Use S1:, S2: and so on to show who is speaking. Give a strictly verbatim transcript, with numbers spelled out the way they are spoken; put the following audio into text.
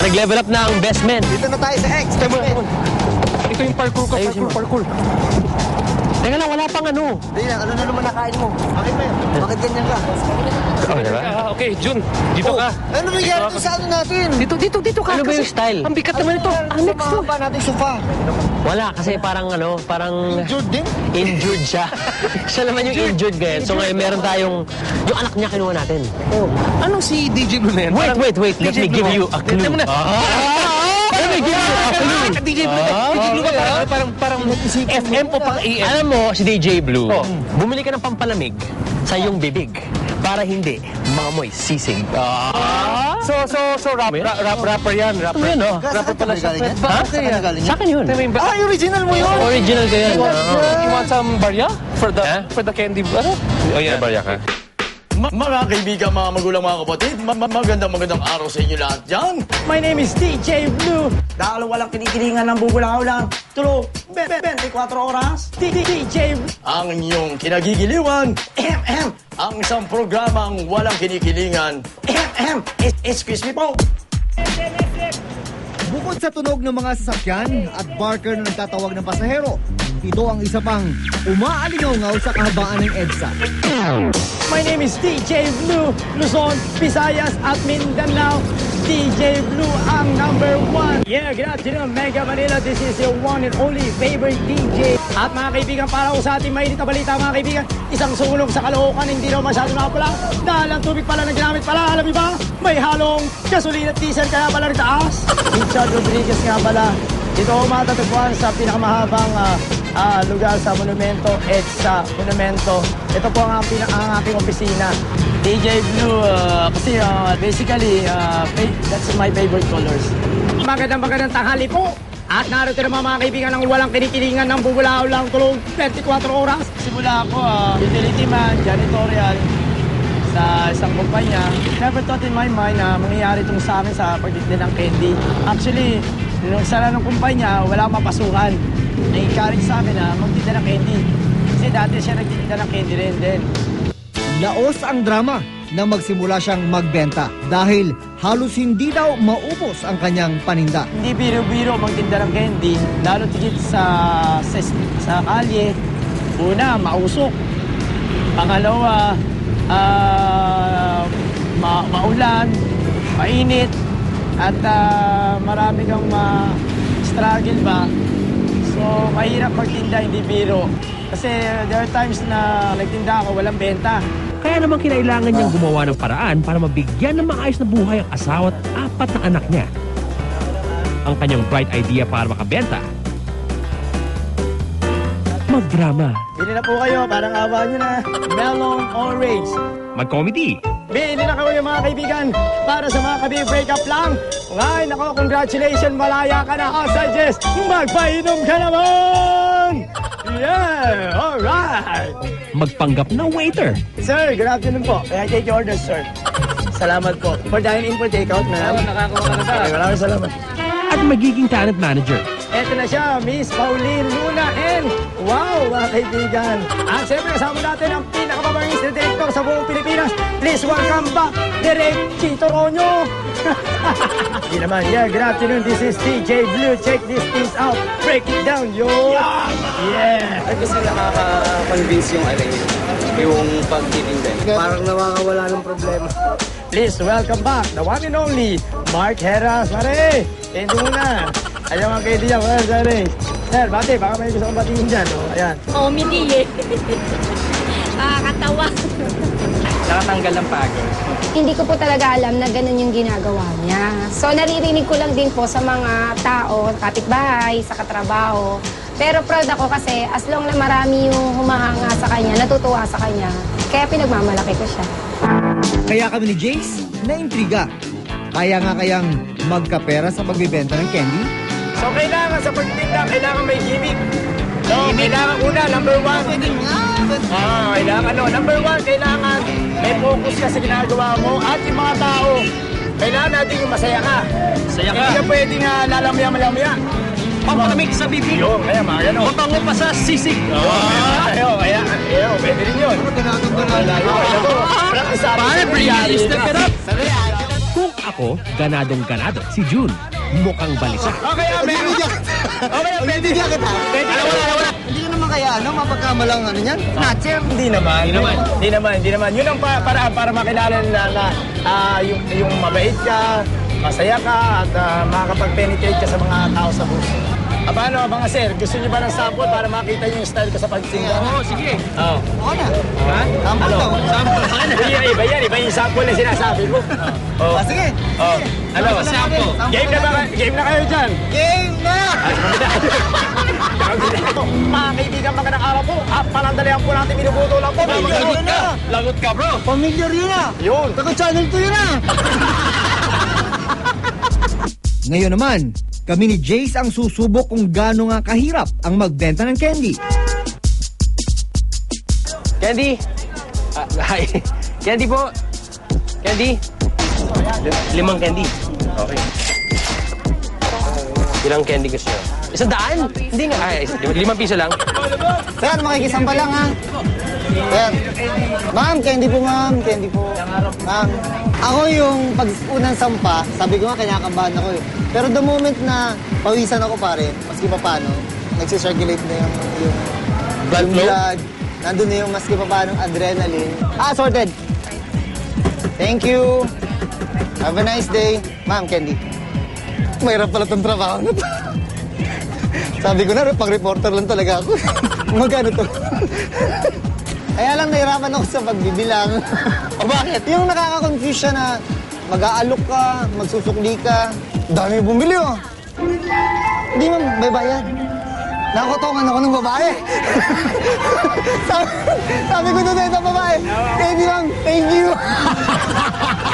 S1: Nag-level up na ang best men.
S2: Dito na tayo sa X.
S1: Tama, tama.
S3: Ito yung parkour ko,
S1: Ayusin
S3: parkour,
S1: mo.
S3: parkour.
S1: Teka lang, wala pang ano.
S2: Hindi na, ano na naman nakain mo? Bakit ba yun? Bakit ganyan ka?
S1: Oh, diba?
S3: Ah, okay, Jun, dito
S2: Oh,
S3: ka.
S2: ano nangyari doon sa ano natin?
S3: Dito, dito, dito ka.
S1: Ano ba yung
S3: kasi
S1: style?
S3: Ang bigat naman ito. Ang next
S2: Sa
S3: to.
S2: mahaba natin sofa.
S1: Wala, kasi parang ano, parang
S2: Jude din?
S1: injured siya. Siya naman yung injured ngayon. So ngayon meron tayong, yung anak niya kinuha natin.
S3: Anong si D J Blue na yan?
S1: Wait,
S3: Parang-
S1: wait, wait. Let
S3: D J
S1: me
S3: Blue,
S1: give
S3: oh.
S1: you a clue.
S3: Tignan mo na.
S1: Let me give you a clue.
S3: D J Blue, D J Blue ka parang, parang, parang F M o pang A M.
S1: Alam mo, si D J Blue,
S3: Oh.
S1: bumili ka ng pampalamig sa iyong bibig para hindi mangamoy sisig.
S3: So, so, so, rap, rap, rap, rapper yan, rapper.
S1: Ano yun, oh?
S3: Rapper pala siya.
S2: Galing yan?
S3: Ba-
S2: Ha?
S3: okay
S2: Saan
S3: yan.
S2: ka galing
S1: Sa
S2: yan?
S1: akin yun.
S3: Ito yung ba-
S2: Ah, yung original mo yun!
S1: Original ko yan.
S3: You want some barya? For the,
S1: Huh?
S3: for the candy, ano? Oh, yan. Barya ka.
S4: Ma- mga kaibigan, mga magulang, mga kapatid, ma- ma- magandang magandang araw sa inyo lahat dyan.
S5: My name is D J Blue. Dahil walang kinikilingan ng bubulaw lang. Tulog, ben, ben, twenty-four oras. D J Blue.
S4: Ang inyong kinagigiliwan,
S5: M M.
S4: ang isang programang walang kinikilingan.
S5: M M. Es- Excuse me po.
S6: Bukod sa tunog ng mga sasakyan at barker na nagtatawag ng pasahero, ito ang isa pang umaalingaw sa kahabaan ng EDSA.
S5: My name is D J Blue. Luzon, Visayas at Mindanao. D J Blue ang number one. Yeah, good afternoon, Mega Manila. This is your one and only favorite D J. At mga kaibigan, para ko sa ating mainit na balita, mga kaibigan, isang sunog sa Caloocan, hindi daw masyado nakapula. Dahil ang tubig pala na ginamit pala, alam niyo ba? May halong gasolina at diesel, kaya pala nitaas. Richard Rodriguez nga pala. Ito ako matatagpuan sa pinakamahabang uh, uh, lugar sa Monumento, EDSA Monumento. Ito po ang, pina- ang aking opisina. D J Blue, uh, kasi uh, basically, uh, fa- that's my favorite colors. Magandang magandang tanghali po. At narito naman mga kaibigan ng walang kinikilingan ng bubulao lang tulog twenty-four oras. Simula ako, uh, utility man, janitorial, sa isang kumpanya. Never thought in my mind na mangyayari itong sa akin sa pagtitinda ng candy. Actually, nung sala ng kumpanya, wala akong mapasukan. Nag-encourage sa akin na magtinda ng candy. Kasi dati siya nagtitinda ng candy rin din.
S6: Laos ang drama nang magsimula siyang magbenta dahil halos hindi daw maubos ang kanyang paninda.
S5: Hindi biro-biro magtinda ng candy, lalo tigit sa, sa, sa kalye. Una, mausok. Pangalawa, ah, ma maulan, mainit, at ah, marami kang ma-struggle ba. So, mahirap magtinda, hindi biro. Kasi there are times na nagtinda ako, walang benta.
S7: Kaya naman kinailangan niyang gumawa ng paraan para mabigyan ng maayos na buhay ang asawa at apat na anak niya. Ang kanyang bright idea para makabenta, magdrama,
S5: Bili na po kayo, parang awa nyo na. Melon Orange.
S7: mag-comedy,
S5: Bili na kayo mga kaibigan para sa mga kabi-breakup lang. Ngay, nako, congratulations, malaya ka na. I suggest, magpainom ka naman! Yeah, alright!
S7: magpanggap na waiter,
S5: Sir, good afternoon po. May I take your order, sir? Salamat po. For dine-in, for take-out, ma'am.
S3: Nakakuha ka na ba?
S5: Okay, maraming salamat.
S7: at magiging talent manager.
S5: Eto na siya, Miss Pauline Luna and wow, mga kaibigan. At siyempre, kasama natin ang pinakamabangis na director sa buong Pilipinas. Please welcome back, Direk Chito Ronyo. Hindi naman, yeah, good afternoon. This is D J Blue. Check these things out. Break it down, yo. Yeah.
S8: Ay, kasi nakaka-convince yung ano yun, yung pagtitinda.
S2: Parang nawawala ng problema.
S5: Please welcome back, the one and only, Mark Heras. Mare, endo muna. Ayan mga kaibigan, well, sorry. Sir, bate, baka may gusto kong batingin dyan. Oh, ayan.
S9: Comedy eh. Nakakatawa.
S3: Nakatanggal ng pagod.
S9: Hindi ko po talaga alam na ganun yung ginagawa niya. So naririnig ko lang din po sa mga tao, kapitbahay, sa katrabaho. Pero proud ako kasi as long na marami yung humahanga sa kanya, natutuwa sa kanya, kaya pinagmamalaki ko siya.
S6: Kaya kami ni Jace na-intriga. Kaya nga kayang magkapera sa pagbibenta ng candy?
S5: So kailangan sa pagtinda, kailangan may gimmick. So kailangan una, number one. Ah, kailangan ano, number one, kailangan may focus ka sa ginagawa mo at yung mga tao, kailangan natin yung masaya ka.
S3: Saya ka.
S5: Hindi ka pwedeng uh, lalamya-malamya.
S3: Pampalamig sa bibig.
S5: Yun, kaya mga gano'n.
S3: Mabango pa sa sisig.
S5: Ayaw, kaya, ayaw, pwede rin yun. Practice
S3: Pare, realist na ka.
S7: Kung ako Nako, ganadong ganado. Si June, mukhang balisa.
S3: Okay, ah, meron. Okay, ah, pwede.
S2: Bibigyan kita.
S3: Pwede. Alam mo na, alam mo na.
S2: Hindi ka naman kaya, ano, mapagkamalang ano yan? Snatcher.
S3: Hindi naman. Hindi naman. Hindi naman. Hindi naman. Yun ang pa, para, para makilala nila na ah, yung, yung mabait ka, masaya ka, at uh, makakapag-penetrate ka sa mga tao sa buhay. Ah, paano, mga sir? Gusto niyo ba ng sample para makita niyo yung style ko sa pagtinda? Oo, sige. Oo.
S2: Oo na.
S3: Ha?
S2: Sample
S3: Ano?
S2: daw.
S3: Sample. Iba yan, iba yan. Iba yung sample na sinasabi ko. Oo.
S2: Ah, sige.
S3: Oh. Ano?
S2: Sample.
S3: Game na ba? Game na kayo dyan?
S2: Game na!
S3: Mga kaibigan, magandang araw po. At panandalihan po natin binubuto lang po.
S2: Lagot ka.
S3: Lagot ka, bro.
S2: Familiar yun ah.
S3: Yun.
S2: Taga channel two yun ah.
S6: Ngayon naman, kami ni Jace ang susubok kung gaano nga kahirap ang magbenta ng candy.
S1: Candy? Ah, hi. Candy po. Candy? Limang candy. Okay. Ilang candy gusto nyo? Isang daan? Hindi nga. Ay, limang piso lang.
S2: Sir, makikisamba lang ha. Sir. Ma'am, candy po ma'am. Candy po. Ma'am. Ako yung pag unang sampa, sabi ko nga kinakabahan ako eh. Pero the moment na pawisan ako pare, maski pa paano, nagsisirculate na yung, yung
S1: Blood
S2: yung
S1: flow?
S2: blood. Nandun na yung maski pa paano adrenaline. Ah, sorted. Thank you. Have a nice day. Ma'am, candy. Mahirap pala itong trabaho na to. Sabi ko na, pang-reporter lang talaga ako. Magkano to? Kaya lang nahirapan ako sa pagbibilang. O bakit? Yung nakaka-confuse siya na mag-aalok ka, magsusukli ka. Dami bumili oh. Hindi ma'am, may bayad. Nakotongan ako ng babae. sabi, sabi ko doon sa babae, thank you ma'am, thank you.